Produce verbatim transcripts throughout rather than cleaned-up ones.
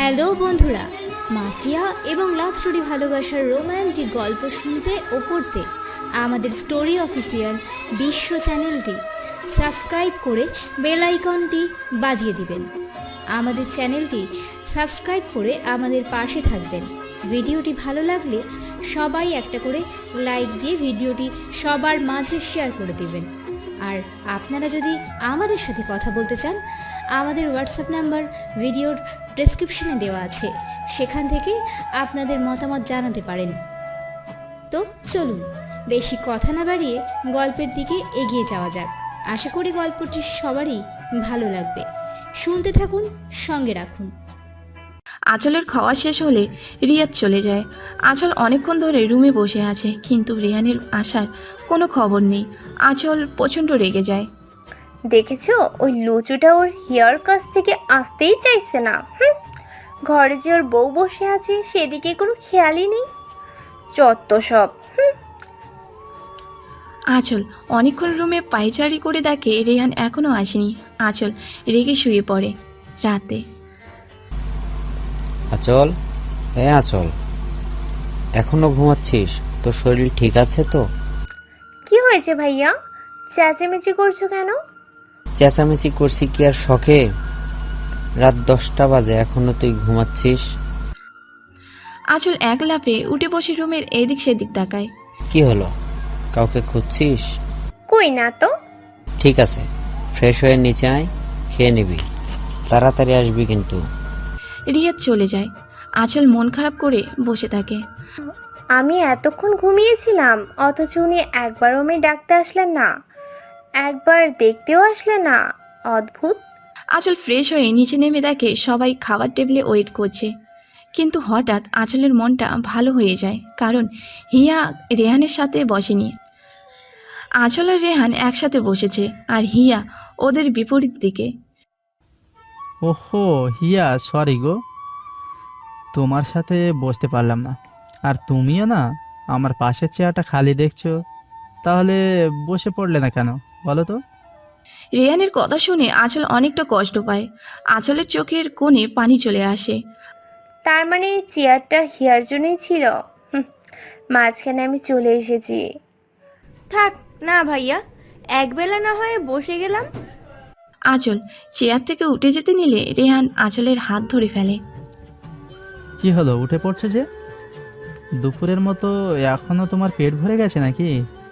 Hello বন্ধুরা, mafia এবং love story ভালোবাসার রোম্যান্টিক গল্প শুনতে ও পড়তে আমাদের স্টোরি অফিসিয়াল বিশ্ব চ্যানেলটি সাবস্ক্রাইব করে বেল আইকনটি বাজিয়ে দিবেন। আমাদের চ্যানেলটি সাবস্ক্রাইব করে আমাদের পাশে থাকবেন। ভিডিওটি ভালো লাগলে সবাই একটা করে লাইক দিয়ে ভিডিওটি সবার মাঝে শেয়ার করে দেবেন। আর আপনারা যদি আমাদের সাথে কথা বলতে চান, আমাদের হোয়াটসঅ্যাপ নাম্বার ভিডিওর ডেসক্রিপশনে দেওয়া আছে, সেখান থেকে আপনাদের মতামত জানাতে পারেন। তো চলুন বেশি কথা না বাড়িয়ে গল্পের দিকে এগিয়ে যাওয়া যাক। আশা করি গল্পটি সবারই ভালো লাগবে। শুনতে থাকুন, সঙ্গে রাখুন। আঁচলের খাওয়া শেষ হলে রিয়াদ চলে যায়। আঁচল অনেকক্ষণ ধরে রুমে বসে আছে, কিন্তু রেহানের আসার কোনো খবর নেই। আঁচল প্রচণ্ড রেগে যায়। দেখেছো, ওই লুচুটা ওর হেয়ার কাছ থেকে আসতেই চাইছে না। হুম, ঘরে যে ওর বউ বসে আছে সেদিকে কোনো খেয়ালই নেই। যত সব। হুম। আঁচল অনেকক্ষণ রুমে পায়চারি করে দেখে রেহান এখনও আসেনি। আঁচল রেগে শুয়ে পড়ে। রাতে আঁচল, হ্যাঁ আঁচল, এখনো ঘুমাচ্ছিস? তোর শরীর ঠিক আছে তো? কি হয়েছে ভাইয়া, চেঁচামেচি করছো কেন? চেঁচামেচি করছি কি আর শখে? রাত দশটা বাজে, এখনো তুই ঘুমাচ্ছিস? আঁচল এক লাফে উঠে বসে রুমের এদিক সেদিক তাকায়। কি হলো, কাউকে খুঁজছিস? কই না তো। ঠিক আছে, ফ্রেশ হয়ে নিচে আয়, খেয়ে নিবি, তাড়াতাড়ি আসবি কিন্তু। রিয়াদ চলে যায়। আঁচল মন খারাপ করে বসে থাকে। আমি এতক্ষণ ঘুমিয়েছিলাম, অথচ উনি একবারও আমি ডাকতে আসলেন না, একবার দেখতেও আসলেন না। অদ্ভুত। আঁচল ফ্রেশ হয়ে নিচে নেমে দেখে সবাই খাবার টেবিলে ওয়েট করছে। কিন্তু হঠাৎ আঁচলের মনটা ভালো হয়ে যায়, কারণ হিয়া রেহানের সাথে বসেনি। আঁচল আর রেহান একসাথে বসেছে, আর হিয়া ওদের বিপরীত দিকে। ওহো হিয়া, সরি গো, তোমার সাথে বসতে পারলাম না। আর তুমিও না, আমার পাশের চেয়ারটা খালি দেখছো, তাহলে বসে পড়লে না কেন বলো তো? রেহানের কথা শুনে আঁচল অনেকটা কষ্ট পায়। আঁচলের চোখের কোণে পানি চলে আসে। তার মানে এই চেয়ারটা হিয়ার জন্যই ছিল। হুম, মাঝখানে আমি চলে এসেছি। থাক না ভাইয়া, একবেলা না হয় বসে গেলাম। আঁচল চেয়ার থেকে উঠে যেতে নিলে রেহান আঁচলের হাত ধরে ফেলে। কি হলো, উঠে পড়ছে যে? দুপুরের মতো এখনো তোমার পেট ভরে গেছে নাকি?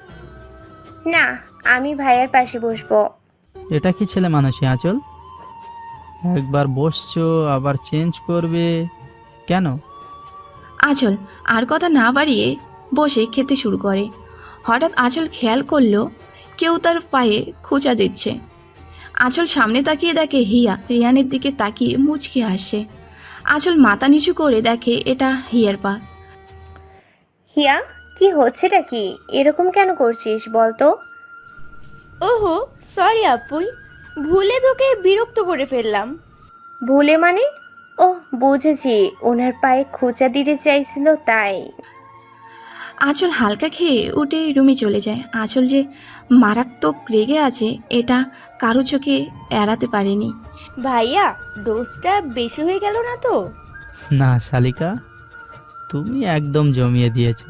না, আমি ভাইয়ার পাশে বসবো। এটা কি ছেলে মানুষই আঁচল? একবার বসছো আবার চেঞ্জ করবে কেন? আঁচল আর কথা না বাড়িয়ে বসে খেতে শুরু করে। হঠাৎ আঁচল খেয়াল করলো কেউ তার পায়ে খোঁচা দিচ্ছে। আঁচল সামনে তাকিয়ে দেখে হিয়া রিয়ানের দিকে তাকিয়ে মুচকে আসছে। আঁচল মাথা নিচু করে দেখে এটা হিয়ার পা। হিয়া, কি হচ্ছেটা কি? এরকম কেন করছিস বলতো? ওহো সরি আপুই, ভুলে তোকে বিরক্ত করে ফেললাম। ভুলে মানে? ও বুঝেছি, ওনার পায়ে খোঁচা দিতে চাইছিল তাই। আঁচল হালকা খেয়ে উঠে রুমে চলে যায়। আঁচল যে মারাত্মক রেগে আছে এটা কারো চোখে এড়াতে পারেনি। ভাইয়া, দোষটা বেশি হয়ে গেল না তো? না শালিকা, তুমি একদম জমিয়ে দিয়েছো।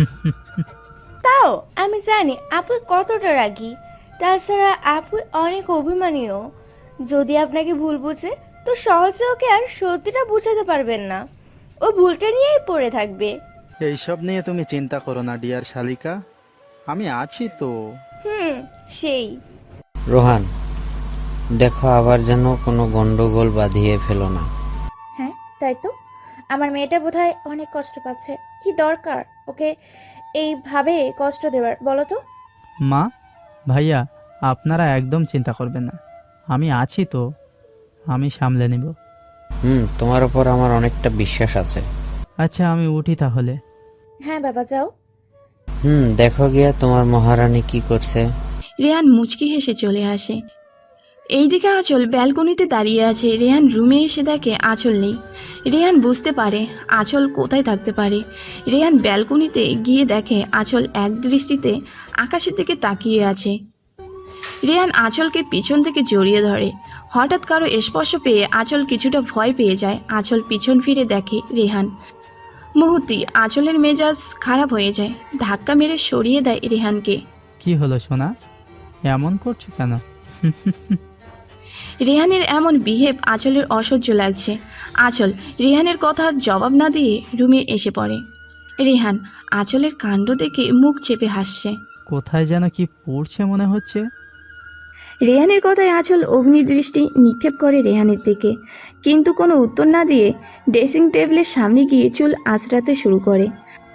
তাও আমি জানি আপু কতটা রাগী, তাছাড়া আপু অনেক অভিমানীও। যদি আপনাকে ভুল বুঝে তো সহজে ওকে আর সত্যিটা বুঝাতে পারবেন না, ও ভুলটা নিয়েই পড়ে থাকবে। এইসব নিয়ে তুমি চিন্তা করো না ডিয়ার শালিকা, আমি আছি তো। হুম, সেই। রোহান, দেখো আবার যেন কোনো গন্ডগোল বাঁধিয়ে ফেলো না। হ্যাঁ তাই তো, আমার মেয়েটা বোধহয় অনেক কষ্ট পাচ্ছে। কি দরকার ওকে এইভাবে কষ্ট দেওয়ার বলো তো? মা, ভাইয়া, আপনারা একদম চিন্তা করবেন না, আমি আছি তো, আমি সামলে নেব। হুম, তোমার উপর আমার অনেকটা বিশ্বাস আছে। আচ্ছা আমি উঠি তাহলে। হ্যাঁ বাবা যাও। হুম, দেখো গিয়া তোমার মহারানী কি করছে। রেহান মুচকি হেসে চলে আসে। এইদিকে আঁচল ব্যালকনিতে দাঁড়িয়ে আছে। রেহান রুমে এসে দেখে আঁচল নেই। রেহান বুঝতে পারে আঁচল কোথায় থাকতে পারে। রেহান ব্যালকনিতে গিয়ে দেখে আঁচল এক দৃষ্টিতে আকাশের দিকে তাকিয়ে আছে। রেহান আঁচলকে পিছন থেকে জড়িয়ে ধরে। হঠাৎ কারো স্পর্শ পেয়ে আঁচল কিছুটা ভয় পেয়ে যায়। আঁচল পিছন ফিরে দেখে রেহান। মুহূর্তে আঁচলের মেজাজ খারাপ হয়ে যায়, ধাক্কা মেরে সরিয়ে দেয় রেহানকে। কি হলো সোনা, এমন করছো কেন? রেহানের এমন বিহেভ আঁচলের অসহ্য লাগছে। আঁচল রেহানের কথার জবাব না দিয়ে রুমে এসে পড়ে। রেহান আঁচলের কাণ্ড দেখে মুখ চেপে হাসছে। কোথায় যেন কি পড়ছে মনে হচ্ছে। রেহানের কথায় আঁচল অগ্নিদৃষ্টি নিক্ষেপ করে রেহানের দিকে, কিন্তু কোনো উত্তর না দিয়ে ড্রেসিং টেবিলের সামনে গিয়ে চুল আঁচড়াতে শুরু করে।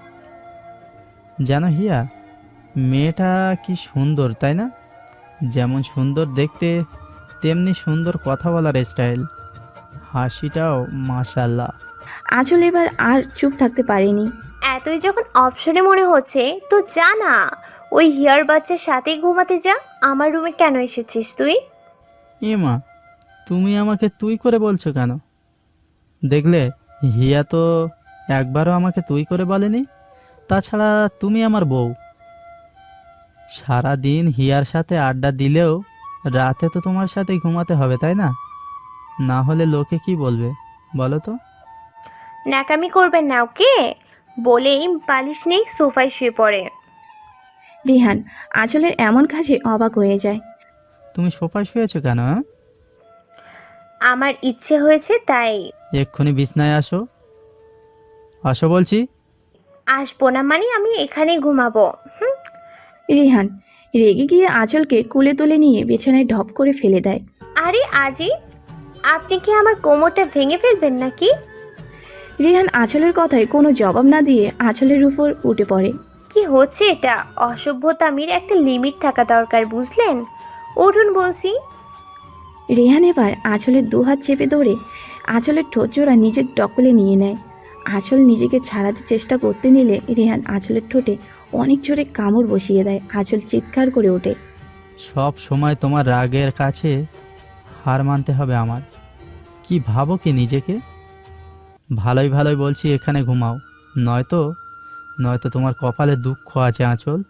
জানো হিয়া, মেয়েটা কি সুন্দর তাই না? যেমন সুন্দর দেখতে তেমনি সুন্দর কথা বলার স্টাইল, হাসিটাও মাশাল্লাহ। আঁচল এবার আর চুপ থাকতে পারেনি। এতই যখন অপশনে মনে হচ্ছে তো যা না, ওই হিয়ার বাচ্চার সাথেই ঘুমাতে যা। আমার রুমে কেন এসেছিস তুই? এ মা, তুমি আমাকে তুই করে বলছো কেন? দেখলে হিয়া তো একবারও আমাকে তুই করে বলেনি। তাছাড়া তুমি আমার বউ। সারা দিন হিয়ার সাথে আড্ডা দিলেও রাতে তো তোমার সাথেই ঘুমাতে হবে তাই না? না হলে লোকে কি বলবে বলো তো? ন্যাকামি করবেন না ওকে বলেই বালিশ নেই সোফায় শুয়ে পড়ে। রেহান আঁচলের এমন কাজে অবাক হয়ে যায়। তুমি সোফায় শুয়েছো কেন? হ্যাঁ, আমার ইচ্ছে হয়েছে তাই। এক্ষুনি বিছনায় আসো, আসো বলছি। আসবো না মানে আমি এখানেই ঘুমাবো। হুম। রেহান রেগে গিয়ে আঁচলকে কুলে তুলে নিয়ে বিছানায় ঢপ করে ফেলে দেয়। আরে আজি, আপনি কি আমার কোমরটা ভেঙে ফেলবেন নাকি? রেহান আঁচলের কথায় কোনো জবাব না দিয়ে আঁচলের উপর উঠে পড়ে। কি হচ্ছে এটা? অসভ্যতামির একটা লিমিট থাকা দরকার, বুঝলেন? উঠুন বলছি। রেহান এবার আঁচলের দুহাত চেপে ধরে আঁচলের ঠোঁট জোড়া নিজের দখলে নিয়ে নেয়। আঁচল নিজেকে ছাড়াতে চেষ্টা করতে নিলে রেহান আঁচলের ঠোঁটে অনেক জোরে কামড় বসিয়ে দেয়। আঁচল চিৎকার করে ওঠে। সব সময় তোমার রাগের কাছে হার মানতে হবে আমার? কি ভাবো কি নিজেকে? ভালোই ভালোই বলছি এখানে ঘুমাও, নয়তো নয়তো তোমার কপালে দুঃখ আছে আঁচল।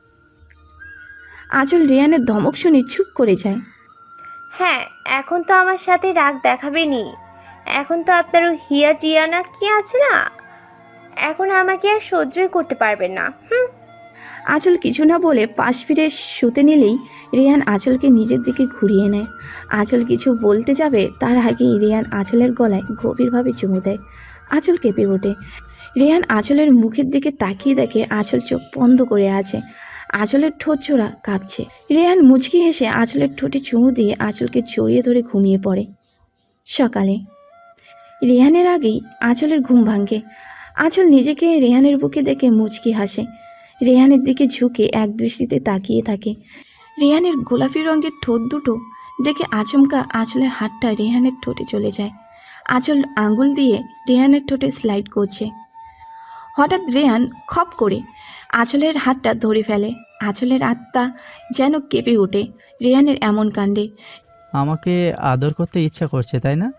আঁচল রেহানের ধমক শুনে চুপ করে যায়। হ্যাঁ, এখন তো আমার সাথে রাগ দেখাবেনি। এখন তো আপনার ওই হিয়া টিয়া না কি আছে না, এখন আমাকে আর সহ্যই করতে পারবেন না। হুম। আঁচল কিছু না বলে পাশ ফিরে শুতে নিলেই রেহান আঁচলকে নিজের দিকে ঘুরিয়ে নেয়। আঁচল কিছু বলতে যাবে তার আগেই রেহান আঁচলের গলায় গভীরভাবে চুমু দেয়। আঁচল কেঁপে ওঠে। রেহান আঁচলের মুখের দিকে তাকিয়ে দেখে আঁচল চোখ বন্ধ করে আছে, আঁচলের ঠোঁট জোড়া কাঁপছে। রেহান মুচকি হেসে আঁচলের ঠোঁটে চুমু দিয়ে আঁচলকে জড়িয়ে ধরে ঘুমিয়ে পড়ে। সকালে রেহানের আগেই আঁচলের ঘুম ভাঙে। আঁচল নিজেকে রেহানের বুকে দেখে মুচকি হাসে। রেহানের দিকে ঝুঁকে এক দৃষ্টিতে তাকিয়ে থাকে। রেহানের গোলাপি রঙের ঠোঁট দুটো দেখে আচমকা আঁচলের হাতটা রেহানের ঠোঁটে চলে যায়। আঁচল আঙ্গুল দিয়ে রেহানের ঠোঁটে স্লাইড করছে। হঠাৎ রেহান খপ করে আঁচলের হাতটা ধরে ফেলে। আঁচলের আত্মা যেন কেঁপে ওঠে রেহানের এমন কাণ্ডে। আমাকে আদর করতে ইচ্ছা করছে তাই না?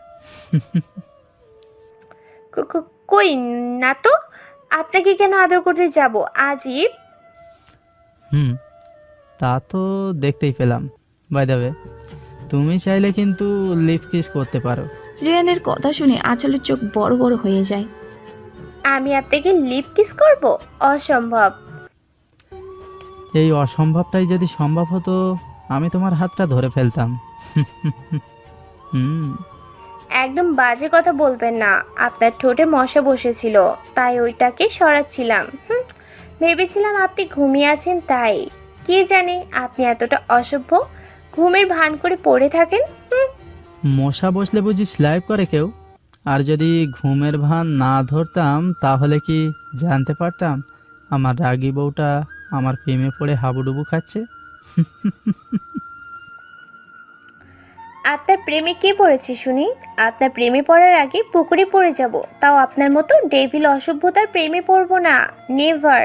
ক- ক- কই না তো, আপনাকে কেন আদর করতে যাব আজিব? হুম, তা তো দেখতেই পেলাম। বাই দ্য ওয়ে, তুমি চাইলে কিন্তু লিপ কিস করতে পারো। রেহানের কথা শুনে আঁচলের চোখ বড় বড় হয়ে যায়। আমি আপনাকে লিপ কিস করব? অসম্ভব। এই অসম্ভবটাই যদি সম্ভব হতো আমি তোমার হাতটা ধরে ফেলতাম। হুম, একদম বাজে কথা বলবেন না। আপনার ঠোঁটে মশা বসেছিল তাই ওইটাকে সরাচ্ছিলাম। হুম, ভেবেছিলাম আপনি ঘুমিয়ে আছেন তাই। কে জানে আপনি এতটা অসভ্য, ঘুমের ভান করে পড়ে থাকেন। হুম। মশা বসলে বুঝি স্লাইপ করে কেউ? আর যদি ঘুমের ভান না ধরতাম তাহলে কি জানতে পারতাম আমার রাগী বউটা আমার প্রেমে পড়ে হাবুডুবু খাচ্ছে? আপনার প্রেমে কে পড়েছে শুনি? আপনার প্রেমে পড়ার আগে পুকুরে পড়ে যাব, তাও আপনার মতো ডেভিল অসভ্যতার প্রেমে পড়বো না। নেভার।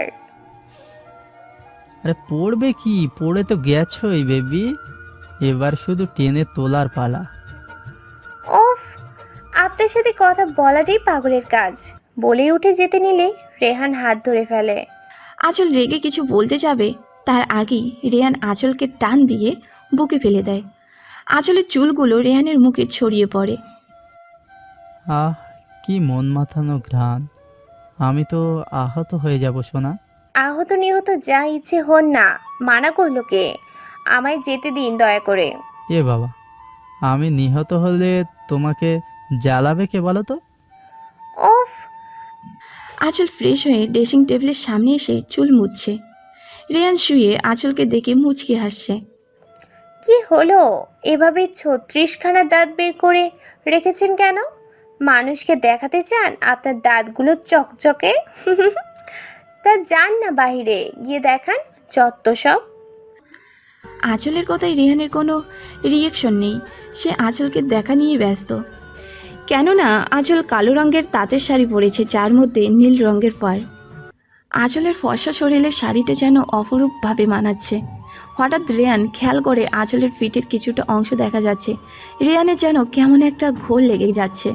আরে পড়বে কি, পড়ে তো গেছোই বেবি, এবার শুধু টেনে তোলার পালা। ওফ, আপনার সাথে কথা বলাটাই পাগলের কাজ। বলে উঠে যেতে নিলে রেহান হাত ধরে ফেলে। আঁচল রেগে কিছু বলতে যাবে তার আগেই রেহান আঁচলকে টান দিয়ে বুকে ফেলে দেয়। আঁচলের চুলগুলো রেহানের মুখে ছড়িয়ে পড়ে। আহ কি মন মাথানো ঘ্রাণ, আমি তো আহত হয়ে যাব সোনা। আহত নিহত যা ইচ্ছে হন না, মানা করলো কে? আমায় যেতে দিন দয়া করে। এ বাবা, আমি নিহত হলে তোমাকে জ্বালাবে কে বলো তো? ওফ! আঁচল ফ্রেশ হয়ে ড্রেসিং টেবিলের সামনে এসে চুল মুছছে। রেহান শুয়ে আঁচলকে দেখে মুচকি হাসছে। কি হলো? এভাবে ছত্রিশখানা দাঁত বের করে রেখেছেন কেন? মানুষকে দেখাতে চান আপনার দাঁতগুলো চকচকে? তা যান না বাইরে গিয়ে দেখান, যত সব। আঁচলের কথায় রেহানের কোনো রিয়েকশন নেই। সে আঁচলকে দেখা নিয়ে ব্যস্ত। কেননা আঁচল কালো রঙের তাঁতের শাড়ি পরেছে, যার মধ্যে নীল রঙের পাড়। আঁচলের ফর্সা শরীরের শাড়িটা যেন অপরূপভাবে মানাচ্ছে। হঠাৎ রেহান খেয়াল করে আঁচলের ফিটের কিছুটা অংশ দেখা যাচ্ছে। রেহানের যেন কেমন একটা ঘোর লেগে যাচ্ছে।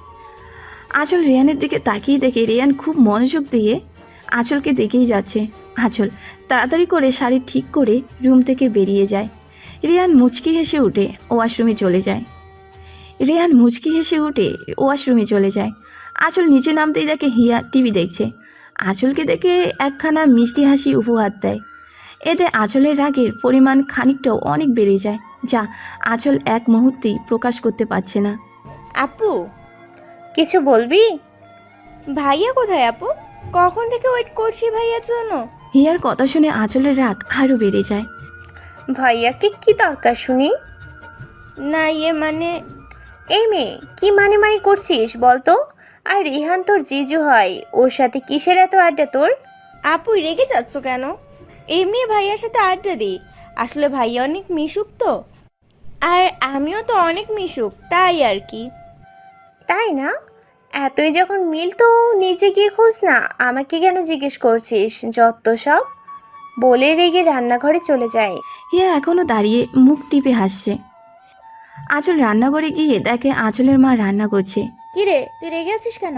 আঁচল রেহানের দিকে তাকিয়ে দেখে রেহান খুব মনোযোগ দিয়ে আঁচলকে দেখেই যাচ্ছে। আঁচল তাড়াতাড়ি করে শাড়ি ঠিক করে রুম থেকে বেরিয়ে যায়। রেহান মুচকি হেসে উঠে ওয়াশরুমে চলে যায়। রেহান মুচকি হেসে উঠে ওয়াশরুমে চলে যায়। আঁচল নিচে নামতেই দেখে হিয়া টিভি দেখছে। আঁচলকে দেখে একখানা মিষ্টি হাসি উপহার দেয়। এতে আঁচলের রাগের পরিমাণ খানিকটাও অনেক বেড়ে যায়, যা আঁচল এক মুহূর্তেই প্রকাশ করতে পারছে না। আপু, কিছু বলবি? ভাইয়া কোথায় আপু? কখন থেকে ওয়েট করছি ভাইয়ার জন্য। হিয়ার কথা শুনে আঁচলের রাগ আরও বেড়ে যায়। ভাইয়াকে কি দরকার শুনি? না ইয়ে মানে এই মেয়ে, কি মানে মানে করছিস বলতো? আর রিহান তোর জিজু হয়, ওর সাথে কিসের এত আড্ডা তোর? আপু রেগে যাচ্ছ কেন? এমনি ভাইয়ার সাথে আড্ডা দিই। আসলে ভাইয়া অনেক মিশুক তো, আর আমিও তো অনেক মিশুক, তাই আর কি। তাই না? এতই যখন মিল তো নিজে গিয়ে খোঁজ না, আমাকে কেন জিজ্ঞেস করছিস? যত সব। বলে রেগে রান্নাঘরে চলে যায়। হিয়া এখনও দাঁড়িয়ে মুখ টিপে হাসছে। আঁচল রান্নাঘরে গিয়ে দেখে আঁচলের মা রান্না করছে। কি রে, তুই রেগে আছিস কেন?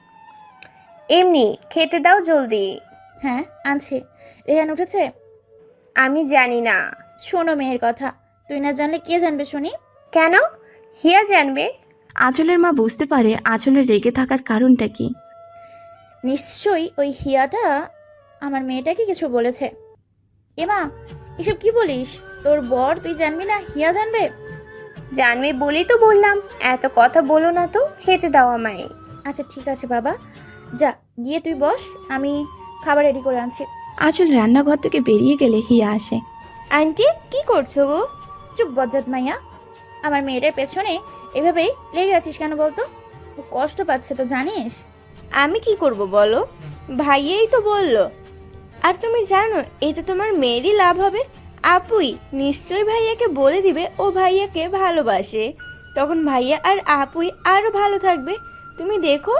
এমনি, খেতে দাও জলদি। হ্যাঁ আনছি। রেহান উঠেছে? আমি জানি না। শোনো মেয়ের কথা, তুই না জানলে কে জানবে শুনি? কেন? হিয়া জানবে। আঁচলের মা বুঝতে পারে আঁচলের রেগে থাকার কারণটা কি। নিশ্চয়ই ওই হিয়াটা আমার মেয়েটাকে কিছু বলেছে। এমা, এসব কি বলিস? তোর বর তুই জানবি না, হিয়া জানবে? জানবে বলেই তো বললাম, এত কথা বলো না তো, খেতে দাও আমায়। আচ্ছা ঠিক আছে বাবা, যা গিয়ে তুই বস, আমি খাবার রেডি করে আনছি। আঁচল রান্নাঘর থেকে বেরিয়ে গেলে হিয়া আসে। আন্টি কি করছো গো? চুপ বজ্জাত মাইয়া, আমার মেয়েটার পেছনে এভাবেই লেগে আছিস কেন বলতো? ও কষ্ট পাচ্ছে তো জানিস। আমি কি করব বলো? ভাইয়াই তো বললো। আর তুমি জানো এতে তোমার মেয়েরই লাভ হবে। আপুই নিশ্চয়ই ভাইয়াকে বলে দিবে ও ভাইয়াকে ভালোবাসে, তখন ভাইয়া আর আপুই আরো ভালো থাকবে। তুমি দেখো।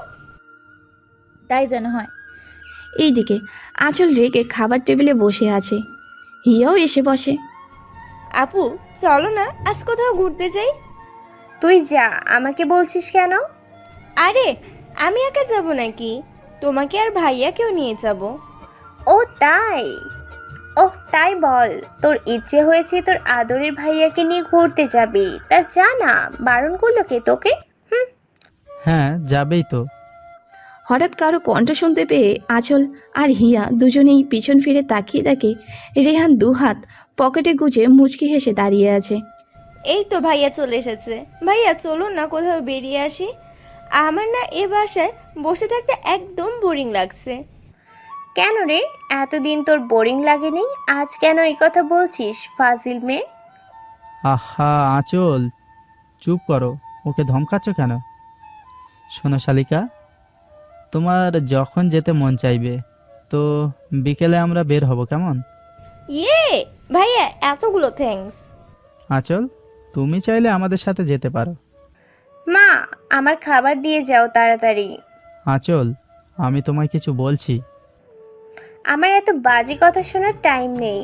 তাই যেন হয়। এইদিকে আঁচল রেগে খাবার টেবিলে বসে আছে। হিয়াও এসে বসে। আপু চলো না আজ কোথাও ঘুরতে যাই। তুই যা, আমাকে বলছিস কেন? আরে আমি একা যাব নাকি, তোমাকে আর ভাইয়াকেও নিয়ে যাব। ও তাই? ও তাই বল, তোর ইচ্ছে হয়েছে তোর আদরের ভাইয়াকে নিয়ে ঘুরতে যাবি, তা যা না, বারণ করলো কে তোকে? হুম। হ্যাঁ যাবেই তো। হঠাৎ কারো কণ্ঠ শুনতে পেয়ে আঁচল আর হিয়া দুজনেই পিছন ফিরে তাকিয়ে দেখে রেহান দুহাত পকেটে গুজে মুচকি হেসে দাঁড়িয়ে আছে। এই তো ভাইয়া চলে এসেছে। ভাইয়া চলুন না কোথাও বেরিয়ে আসি। আমার না এ বাসায় বসে থাকতে একদম বোরিং লাগছে। কেন রে, এতদিন তোর বোরিং লাগেনি, আজ কেন এই কথা বলছিস ফাজিল মেয়ে? আহা আঁচল, চুপ করো, ওকে ধমকাচ্ছ কেন? শোনো শালিকা, তোমার যখন যেতে মন চাইবে তো বিকেলে আমরা বের হব, কেমন? ইয়ে ভাইয়া এতগুলো থ্যাঙ্কস। আঁচল, তুমি চাইলে আমাদের সাথে যেতে পারো। মা, আমার খাবার দিয়ে যাও তাড়াতাড়ি। আঁচল, আমি তোমায় কিছু বলছি। আমার এত বাজে কথা শোনার টাইম নেই।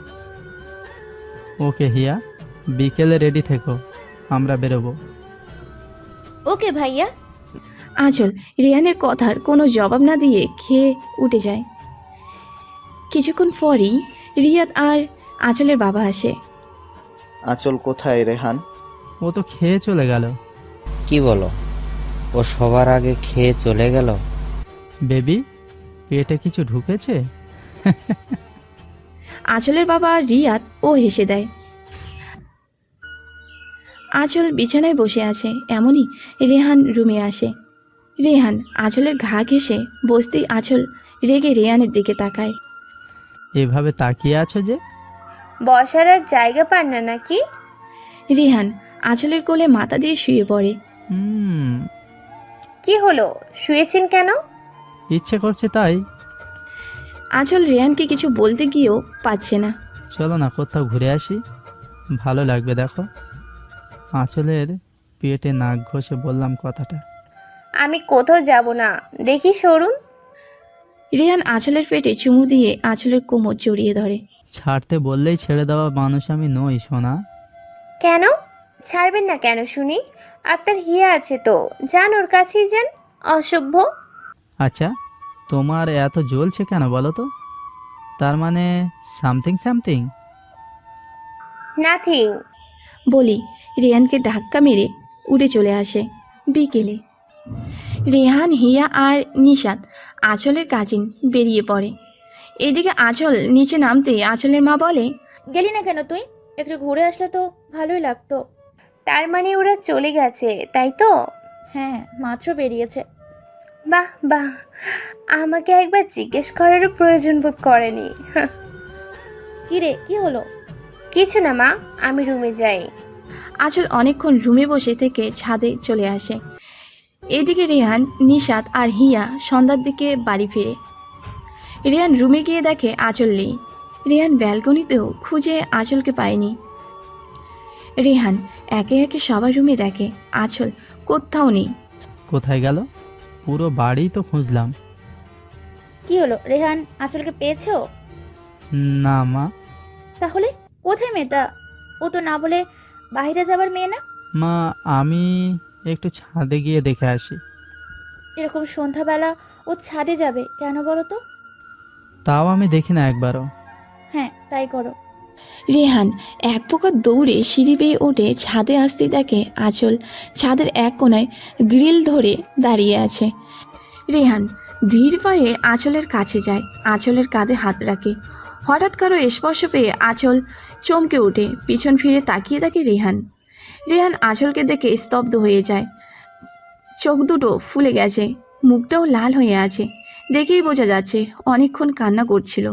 ওকে হিয়া, বিকেলে রেডি থেকো, আমরা বেরোবো। ওকে ভাইয়া। আঁচল রেহানের কথার কোনো জবাব না দিয়ে খেয়ে উঠে যায়। কিছুক্ষণ পরই রিয়াদ আর আঁচলের বাবা আসে। আঁচল কোথায় রেহান? ও তো খেয়ে চলে গেল। কি বলো? ও সবার আগে খেয়ে চলে গেল? বেবি, পেটে কিছু ঢুকেছে? আঁচলের বাবা রিয়াদ ও হেসে দেয়। আঁচল বিছানায় বসে আছে, এমনই রেহান রুমে আসে। রেহান আঁচলের ঘা ঘেঁষে বসতেই আঁচল রেগে রেহানের দিকে তাকায়। এভাবে তাকিয়ে আছো যে? বসার আর জায়গা পান না নাকি? রেহান আঁচলের কোলে মাথা দিয়ে শুয়ে পড়ে। হুম, কি হলো, শুয়েছেন কেন? ইচ্ছে করছে তাই। আঁচল রেহানকে কিছু বলতে গিয়েও পাচ্ছে না। চলো না কোথাও ঘুরে আসি, ভালো লাগবে। দেখো, আঁচলের পেটে নাক ঘষে বললাম কথাটা। আমি কোথাও যাব না, দেখি সরুন। রেহান আঁচলের পেটে চুমু দিয়ে আঁচলের কোমর জড়িয়ে ধরে। ছাড়তে বললেই ছেড়ে দেওয়া মানুষ আমি নই সোনা। কেন ছাড়বেন না কেন শুনি? আপনার হিয়া আছে তো, যান ওর কাছেই যান। অসভ্য। আচ্ছা, তোমার এত জ্বলছে কেন বলো তো? তার মানে সামথিং সামথিং? নাথিং। বলি রেহানকে ধাক্কা মেরে উড়ে চলে আসে। বিকেলে রেহান, হিয়া আর নিশাত আঁচলের কাজিন বেরিয়ে পড়ে। এদিকে আঁচল নিচে নামতেই আঁচলের মা বলে, গেলি না কেন তুই? একটু ঘুরে আসলে তো ভালোই লাগতো। তার মানে ওরা চলে গেছে, তাই তো? হ্যাঁ, মাত্র বেরিয়েছে। বাহ বাহ, আমাকে একবার জিজ্ঞেস করারও প্রয়োজন বোধ করেনি। হাহ, কি রে, কি হলো? কিছু না মা, আমি রুমে যাই। আঁচল অনেকক্ষণ রুমে বসে থেকে ছাদে চলে আসে। এদিকে রেহান, নিশাত আর হিয়া সন্ধ্যার দিকে বাড়ি ফিরে। রেহান রুমে গিয়ে দেখে আঁচল নেই। রেহান ব্যালকনিতেও খুঁজে আঁচলকে পায়নি। রেহান একে একে সবার রুমে দেখে আঁচল কোথাও নেই। কোথায় গেল? পুরো বাড়ি তো খুঁজলাম। কি হলো, রেহান আঁচলকে পেয়েছো? না মা। তাহলে কোথায় মেয়েটা? ও তো না বলে বাইরে যাবার মেয়ে না। মা, আমি একটু ছাদে গিয়ে দেখে আসি। এরকম সন্ধ্যাবেলা ও ছাদে যাবে কেন বলো তো? তাও আমি দেখি না একবারও। হ্যাঁ, তাই করো। রেহান এক প্রকার দৌড়ে সিঁড়ি বেয়ে ওঠে ছাদে আসতেই দেখে আঁচল ছাদের এক কোণায় গ্রিল ধরে দাঁড়িয়ে আছে। রেহান ধীর পায়ে আঁচলের কাছে যায়, আঁচলের কাঁধে হাত রাখে। হঠাৎ কারো স্পর্শ পেয়ে আঁচল চমকে ওঠে, পিছন ফিরে তাকিয়ে দেখে রেহান। রেহান আঁচলকে দেখে স্তব্ধ হয়ে যায়। চোখ দুটো ফুলে গেছে, মুখটাও লাল হয়ে আছে। দেখেই বোঝা যাচ্ছে অনেকক্ষণ কান্না করছিল।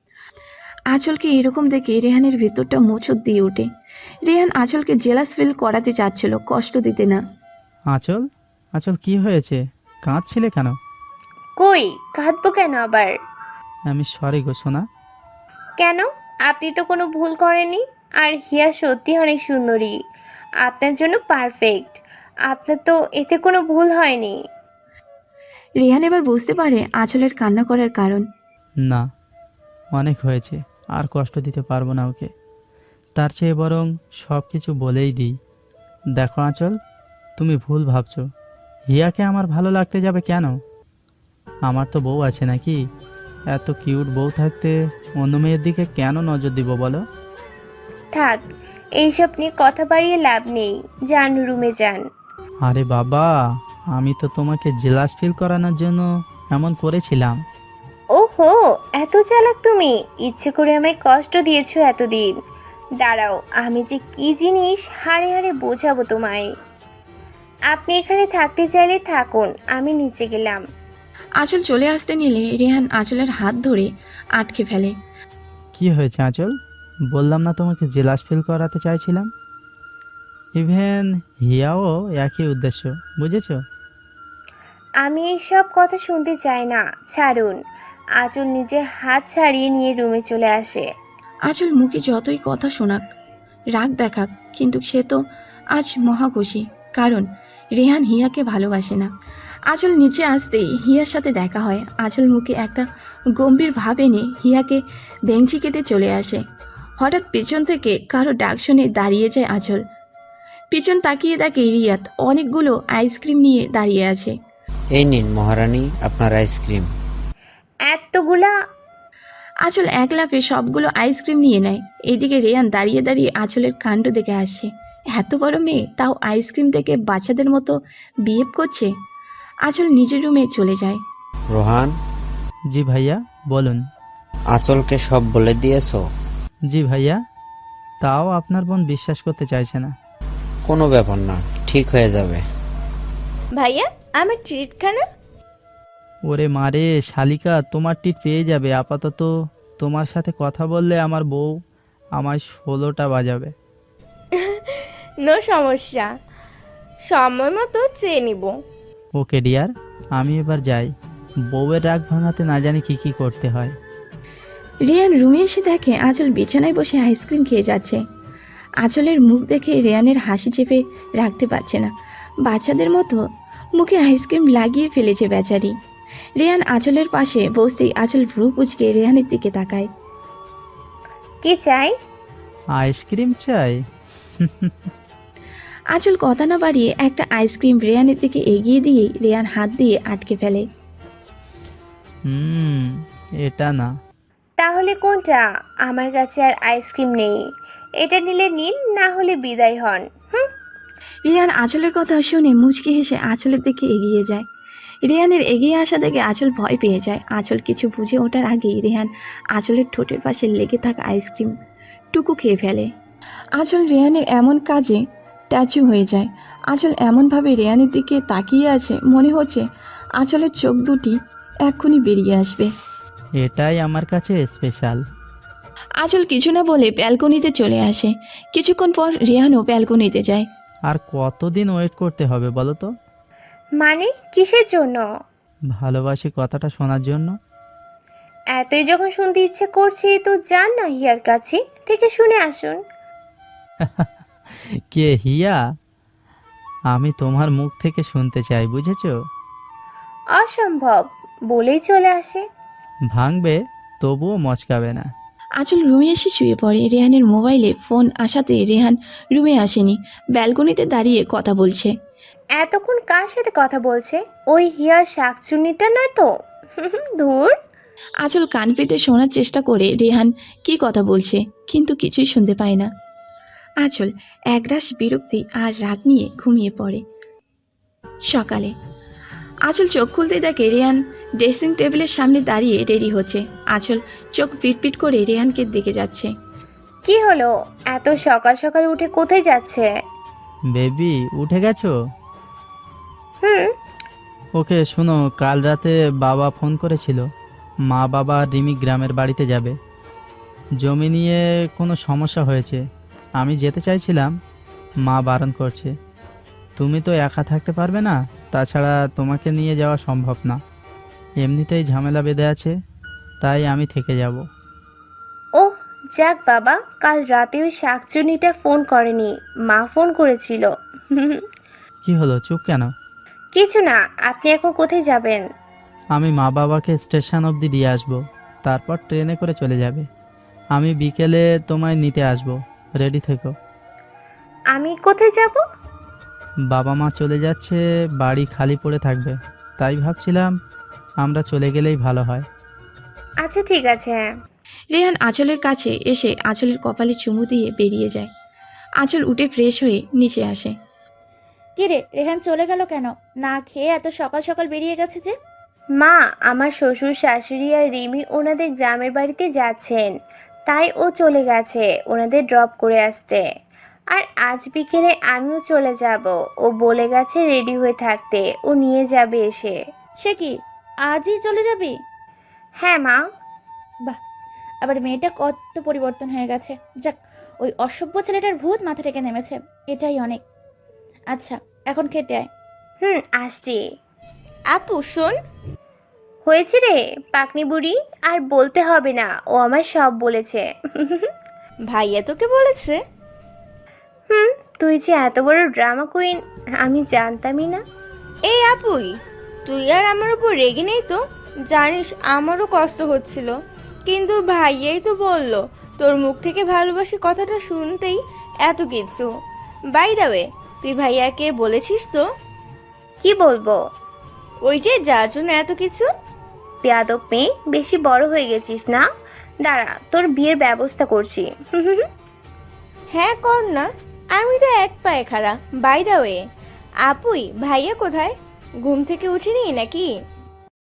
আঁচলকে এরকম দেখে রেহানের ভেতরটা মোচড় দিয়ে ওঠে। রেহান আঁচলকে জেলাস ফিল করাতে চাচ্ছিল, কষ্ট দিতে না। আঁচল, আঁচল কি হয়েছে? কাঁদছিলে কেন? কই কাঁদবো কেন আবার? আমি সরি গো সোনা। কেন? আপনি তো কোনো ভুল করেননি। আর হিয়া সত্যি অনেক সুন্দরী, আপনার জন্য পারফেক্ট। আপনার তো এতে কোনো ভুল হয়নি। রেহান এবার বুঝতে পারে আঁচলের কান্না করার কারণ। না, অনেক হয়েছে, আর কষ্ট দিতে পারবো না ওকে। তার চেয়ে বরং সব কিছু বলেই দিই। দেখো আঁচল, তুমি ভুল ভাবছো। হিয়াকে আমার ভালো লাগতে যাবে কেন? আমার তো বউ আছে নাকি? এত কিউট বউ থাকতে অন্য মেয়ের দিকে কেন নজর দিব বলো? থাক, এইসব নিয়ে কথা বাড়িয়ে লাভ নেই, যান রুমে যান। আরে বাবা, আমি তো তোমাকে জেলাস ফিল করানোর জন্য এমন করেছিলাম। ওহো, এত চালাক তুমি! ইচ্ছে করে আমায় কষ্ট দিয়েছো এতদিন। দাঁড়াও, আমি যে কি জিনিস হাড়ে হাড়ে বোঝাবো তোমায়। আপনি এখানে থাকতে চাইলে থাকুন, আমি নিচে গেলাম। আঁচল চলে আসতে নিলে রেহান আঁচলের হাত ধরে আটকে ফেলে। কি হয়েছে আঁচল? বললাম না তোমাকে জেলাস ফিল করাতে চাইছিলাম। ইভেন হিয়াও একই উদ্দেশ্য, বুঝেছো? আমি এইসব কথা শুনতে চাই না, ছাড়ুন। আঁচল নিজের হাত ছাড়িয়ে নিয়ে রুমে চলে আসে। আঁচল মুখে যতই কথা শোনাক, রাগ দেখাক, কিন্তু সে তো আজ মহা খুশি, কারণ রেহান হিয়াকে ভালোবাসে না। আঁচল নিচে আসতেই হিয়ার সাথে দেখা হয়। আঁচল মুখে একটা গম্ভীর ভাব এনে হিয়াকে বেঞ্চি কেটে চলে আসে। হঠাৎ পেছন থেকে কারো ডাক শুনে দাঁড়িয়ে যায় আঁচল। পিছন তাকিয়ে দেখে রিয়াত অনেকগুলো আইসক্রিম নিয়ে দাঁড়িয়ে আছে। এই নিন মহারানী আপনার আইসক্রিম। এতগুলা? আঁচল এক লাফে সবগুলো আইসক্রিম নিয়ে নেয়। এইদিকে রেয়ান দাঁড়িয়ে দাঁড়িয়ে আঁচলের কাণ্ড দেখে আসে। এত বড় মেয়ে তাও আইসক্রিম থেকে বাচ্চাদের মতো বিহেভ করছে। আঁচল নিজের রুমে চলে যায়। রোহান, জি ভাইয়া বলুন। আঁচলকে সব বলে দিয়েছো? জি ভাইয়া, তাও আপনার বোন বিশ্বাস করতে চাইছে না। কোনো ব্যাপার না, ঠিক হয়ে যাবে। ভাইয়া আমার ট্রিটখানা। ওরে মারে শালিকা, তোমার টিট পেয়ে যাবে। আপাতত তোমার সাথে কথা বললে আমার বউ আমায় ষোলোটা বাজাবে। নো সমস্যা, সময় মতো চেয়ে নিব। ওকে ডিয়ার, আমি এবার যাই। বউয়ের রাগ ভাঙাতে না জানি কি কি করতে হয়। রেয়ান রুমে এসে দেখে আঁচল বিছানায় বসে আইসক্রিম খেয়ে যাচ্ছে। আঁচলের মুখ দেখে রেয়ানের হাসি চেপে রাখতে পারছে না। বাচ্চাদের মতো মুখে আইসক্রিম লাগিয়ে ফেলেছে বেচারি। রেয়ান আঁচলের পাশে বসতেই আঁচল ভ্রু কুঁচকে রেয়ানের দিকে তাকায়। কি চাই? আইসক্রিম চাই? আঁচল কথা না বাড়িয়ে একটা আইসক্রিম রেয়ানের দিকে এগিয়ে দিয়েই রেয়ান হাত দিয়ে আটকে ফেলে। হুম, এটা না। তাহলে কোনটা? আমার কাছে আর আইসক্রিম নেই। এটা নিলে নিন, না হলে বিদায় হন। হুম। রেয়ান আঁচলের কথা শুনে মুচকি হেসে আঁচলের দিকে এগিয়ে যায়। রেয়ানের এগিয়ে আসা দেখে আঁচল ভয় পেয়ে যায়। আঁচল কিছু বুঝে ওঠার আগেই রেহান আঁচলের ঠোঁটের পাশে লেগে থাকা আইসক্রিম টুকু খেয়ে ফেলে। আঁচল রেয়ানের এমন কাজে ট্যাচু হয়ে যায়। আঁচল এমনভাবে রেয়ানের দিকে তাকিয়ে আছে, মনে হচ্ছে আঁচলের চোখ দুটি এক্ষুনি বেরিয়ে আসবে। এটাই আমার কাছে স্পেশাল। আঁচল কিছু না বলে ব্যালকনিতে চলে আসে। কিছুক্ষণ পর রেহানও ব্যালকনিতে যায়। আর কতদিন ওয়েট করতে হবে বলো তো? মানে কিসের জন্য? ভালোবাসি কথাটা শোনার জন্য। এতই যখন শুনতে ইচ্ছে করছে তো যান না হিয়ার কাছে, থেকে শুনে আসুন। কে হিয়া? আমি তোমার মুখ থেকে শুনতে চাই, বুঝেছো? অসম্ভব, বলেই চলে আসে। ভাঙবে তবুও মচকাবে না। আঁচল রুমে এসে শুয়ে পড়ে। রেহানের মোবাইলে ফোন আসাতে রেহান রুমে আসেনি, ব্যালকনিতে দাঁড়িয়ে কথা বলছে। এতক্ষণ কার সাথে কথা বলছে? ওই হিয়ার শাকচুন্নিটা নয় তো? ধুর। আঁচল কান পেতে শোনার চেষ্টা করে রেহান কী কথা বলছে, কিন্তু কিছুই শুনতে পায় না। আঁচল একরাশ বিরক্তি আর রাগ নিয়ে ঘুমিয়ে পড়ে। সকালে আঁচল চোখ খুলতে দেখে রেহান ড্রেসিং টেবিলের সামনে দাঁড়িয়ে রেডি হচ্ছে। আঁচল চোখ পিটপিট করে রেহানকে দেখে যাচ্ছে। কি হলো, এত সকাল সকাল উঠে কোথায় যাচ্ছে? বেবি উঠে গেছো? হুম। ওকে শোনো, কাল রাতে বাবা ফোন করেছিল। মা বাবা আর রিমি গ্রামের বাড়িতে যাবে। জমি নিয়ে কোনো সমস্যা হয়েছে। আমি যেতে চাইছিলাম, মা বারণ করছে। তুমি তো একা থাকতে পারবে না, তাছাড়া তোমাকে নিয়ে যাওয়া সম্ভব না। এমনিতেই ঝামেলা বেঁধে আছে, তাই আমি থেকে যাব। ওহ যাক বাবা, কাল রাতে ওই শাকচুন্নিটা ফোন করেনি, মা ফোন করেছিল। কি হলো, চুপ কেন? কিছু না। আপনি এখন কোথায় যাবেন? আমি মা বাবাকে স্টেশন অবধি দিয়ে আসব, তারপর ট্রেনে করে চলে যাবে। আমি বিকেলে তোমায় নিতে আসব, রেডি থেকো। আমি কোথায় যাব? বাবা মা চলে যাচ্ছে, বাড়ি খালি পড়ে থাকবে, তাই ভাবছিলাম আমরা চলে গেলেই ভালো হয়। আচ্ছা ঠিক আছে। রেহান আঁচলের কাছে এসে আঁচলের কপালে চুমু দিয়ে বেরিয়ে যায়। আঁচল উঠে ফ্রেশ হয়ে নিচে আসে। কি রে, রেহান চলে গেল কেন? না খেয়ে এত সকাল সকাল বেরিয়ে গেছে যে? মা, আমার শ্বশুর শাশুড়ি আর রিমি ওনাদের গ্রামের বাড়িতে যাচ্ছেন, তাই ও চলে গেছে ওনাদের ড্রপ করে আসতে। আর আজ বিকেলে আমিও চলে যাব, ও বলে গেছে রেডি হয়ে থাকতে, ও নিয়ে যাবে এসে। সে কি, আজই চলে যাবি? হ্যাঁ মা। বাহ, আবার মেয়েটা কত পরিবর্তন হয়ে গেছে। যাক, ওই অসভ্য ছেলেটার ভূত মাথা থেকে নেমেছে, এটাই অনেক। আচ্ছা এখন খেতে আয়। হুম আসছি। আপু শোন। হয়েছে রে পাকনি বুড়ি, আর বলতে হবে না, ও আমার সব বলেছে। ভাইয়া তোকে বলেছে? হুম, তুই যে এত বড় ড্রামা কুইন আমি জানতামই না। এই আপুই, তুই আর আমার উপর রেগে নেই তো? জানিস আমারও কষ্ট হচ্ছিল, কিন্তু ভাইয়াই তো বললো, তোর মুখ থেকে ভালোবাসি কথাটা শুনতেই এত কিছু। বাই দ্য ওয়ে, তুই ভাইয়াকে বলেছিস তো? কি বলবো? ওই যে যার জন্য এত কিছু। বেয়াদব মেয়ে, বেশি বড় হয়ে গেছিস না? দাঁড়া, তোর বিয়ের ব্যবস্থা করছি। হ্যাঁ কর না, আমি তো এক পায়ে খাড়া। বাই দা ওয়ে, আপুই ভাইয়া কোথায়? ঘুম থেকে উঠিনি নাকি?